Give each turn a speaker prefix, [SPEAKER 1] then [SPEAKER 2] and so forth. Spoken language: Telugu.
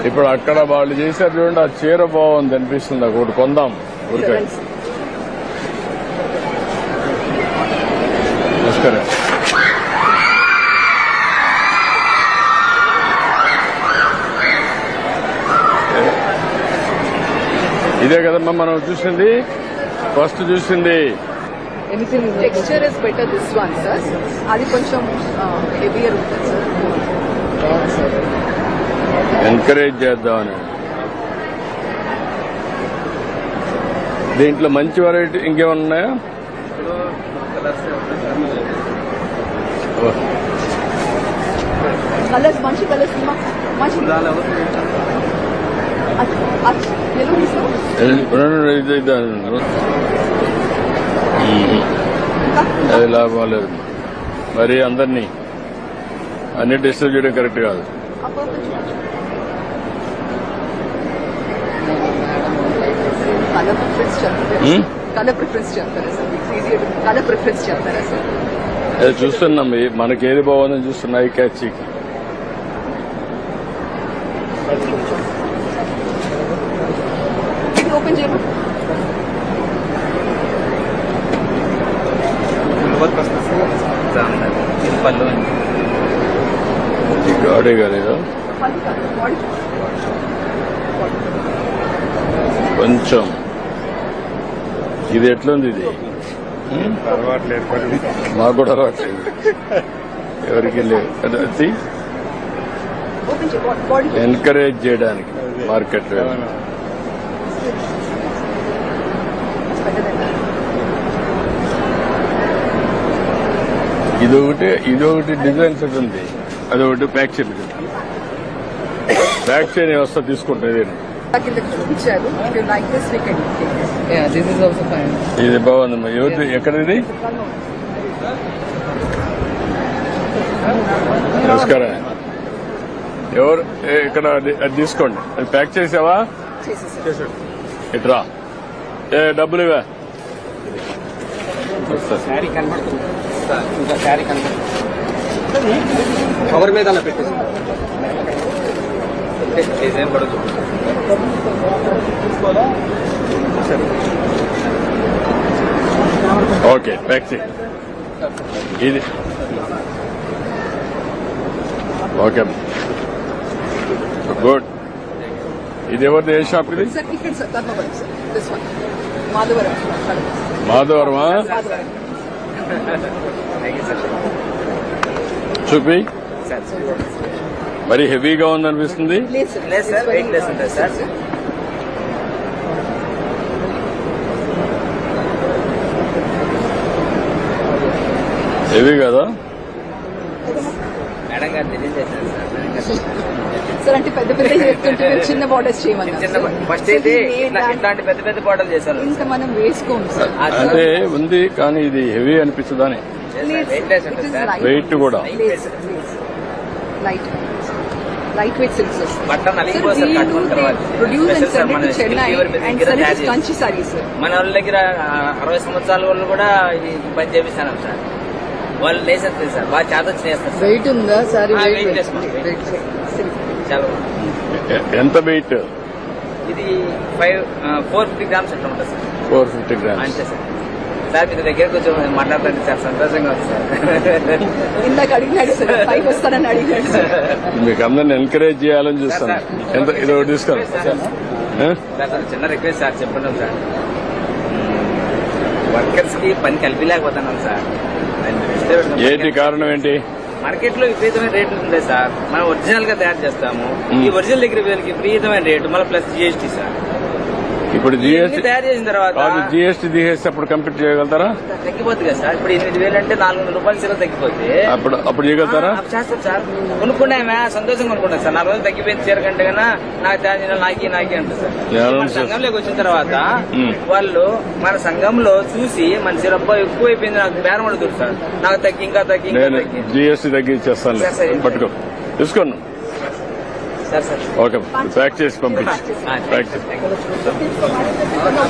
[SPEAKER 1] ఇప్పుడు అక్కడ వాళ్ళు చేశారు చూడండి, ఆ చీర బాగుంది అనిపిస్తుంది, ఒకటి కొందాం ఊరికే. నమస్కారం. ఇదే కదమ్మా మనం చూసింది, ఫస్ట్ చూసింది.
[SPEAKER 2] Texture is better this one sir, అది కొంచెం హెవియర్ ఉంటుంది సార్.
[SPEAKER 1] ఎంకరేజ్ చేద్దామని. దీంట్లో మంచి వెరైటీ ఇంకేమన్నా ఉన్నాయా?
[SPEAKER 2] కలర్స్ మంచి కలర్స్ మంచి
[SPEAKER 1] అది లాభం లేదు. మరి అందరినీ అన్ని డిస్టర్బ్ చేయడం కరెక్ట్ కాదు.
[SPEAKER 2] కలర్ ప్రిఫరెన్స్ చెప్తారా సార్? కలర్ ప్రిఫరెన్స్ చెప్తారా సార్?
[SPEAKER 1] అది చూస్తున్నాం, మనకేది బాగుందని చూస్తున్నాయి. Catch
[SPEAKER 2] open చేయమా.
[SPEAKER 1] గాడే కాలేదా కొంచెం? ఇది ఎట్లుంది? ఇది మాకు కూడా అలవాట్లేదు, ఎవరికి లేదు. ఎంకరేజ్ చేయడానికి మార్కెట్ ఇదొకటి డిజైన్ సెట్ ఉంది, అదొకటి ప్యాక్ చేయండి. ప్యాక్ చేయని వ్యవస్థ తీసుకుంటుంది. ఇది బాగుందమ్మా. ఎవరి ఎక్కడిది? నమస్కారం. ఎవరు ఇక్కడ? అది తీసుకోండి. అది ప్యాక్ చేసావా? ఇట్రా. డబ్బులు ఇవా?
[SPEAKER 3] కవర్ మీద అలా పెట్టేసి డిజైన్ కూడా
[SPEAKER 1] ఓకే, ప్యాక్ చేయి. ఇది ఓకే, గుడ్. ఇది ఎవరిది? ఏ షాప్ ఇది? మాధవరమా? చూపి. మరి హెవీగా ఉందనిపిస్తుంది. హెవీ కదా?
[SPEAKER 2] సార్ అంటే పెద్ద పెద్ద చెప్తుంటే చిన్న బార్డర్స్ చేయమన్నారు.
[SPEAKER 3] ఫస్ట్ అయితే ఇట్లాంటి పెద్ద పెద్ద బార్డర్లు చేశారు.
[SPEAKER 2] ఇంకా మనం వేసుకోము సార్.
[SPEAKER 1] అంటే ఉంది కానీ ఇది హెవీ అనిపిస్తుందని. వెయిట్ కూడా
[SPEAKER 2] light weight silks Kanchi saris.
[SPEAKER 3] మన వాళ్ళ దగ్గర 60 సంవత్సరాల వాళ్ళు కూడా ఇది పని చేపిస్తాను సార్. వాళ్ళు లేసేస్తారు సార్, బాగా చేత చేస్తారు.
[SPEAKER 2] వెయిట్ ఉందా సారీ?
[SPEAKER 3] చాలా.
[SPEAKER 1] ఎంత వెయిట్?
[SPEAKER 3] ఇది 450 గ్రామ్స్ అట్లా ఉంటుంది సార్.
[SPEAKER 1] 450 గ్రామ్స్
[SPEAKER 3] అంతే సార్. సార్ మీ దగ్గర కొంచెం మాట్లాడుతుంది సార్, సంతోషంగా ఉంది సార్.
[SPEAKER 2] ఇందాక అడిగినాడు సార్, పైకి వస్తానని అడిగినాడు సార్.
[SPEAKER 1] మీకు అందరిని ఎంకరేజ్ చేయాలని చూస్తాను. ఎంత ఇది ఒకటి తీసుకోండి
[SPEAKER 3] సార్. చిన్న రిక్వెస్ట్ సార్, చెప్పండి సార్. వర్కర్స్ కి పని కల్పించలేకపోతున్నాం సార్.
[SPEAKER 1] ఏంటి కారణం? ఏంటి?
[SPEAKER 3] మార్కెట్ లో విపరీతమైన రేట్లు ఉంది సార్. మనం ఒరిజినల్ గా తయారు చేస్తాము. ఈ ఒరిజినల్ దగ్గర వీళ్ళకి విపరీతమైన రేటు, మళ్ళీ ప్లస్ జిఎస్టీ సార్.
[SPEAKER 1] ఇప్పుడు జిఎస్టీ
[SPEAKER 3] తయారు చేసిన తర్వాత
[SPEAKER 1] జిఎస్టీ తీసేసి అప్పుడు కంప్లీట్ చేయగలుగుతారా?
[SPEAKER 3] తగ్గిపోతుంది కదా సార్. ఇప్పుడు 8,000 అంటే 400 రూపాయలు సీల తగ్గిపోతే
[SPEAKER 1] అప్పుడు చేయగలుగుతారా?
[SPEAKER 3] చేస్తాం సార్. కొనుక్కున్నామే సంతోషంగా కొనుక్కున్నాం సార్. 4 రోజులు తగ్గిపోయింది చీర కంటే కన్నా నాకు తయారు చేయాలి నాకి అంటారు సార్. మన సంఘంలోకి వచ్చిన తర్వాత వాళ్ళు మన సంఘంలో చూసి మన చీర ఎక్కువ అయిపోయింది, నాకు బేరం అడుగుతారు సార్. నాకు తగ్గి ఇంకా తగ్గి
[SPEAKER 1] జిఎస్టీ తగ్గించేస్తాను, పట్టుకో తీసుకోండి.
[SPEAKER 3] సార్ సార్
[SPEAKER 1] ఓకే, ప్యాక్ చేసి పంపించి.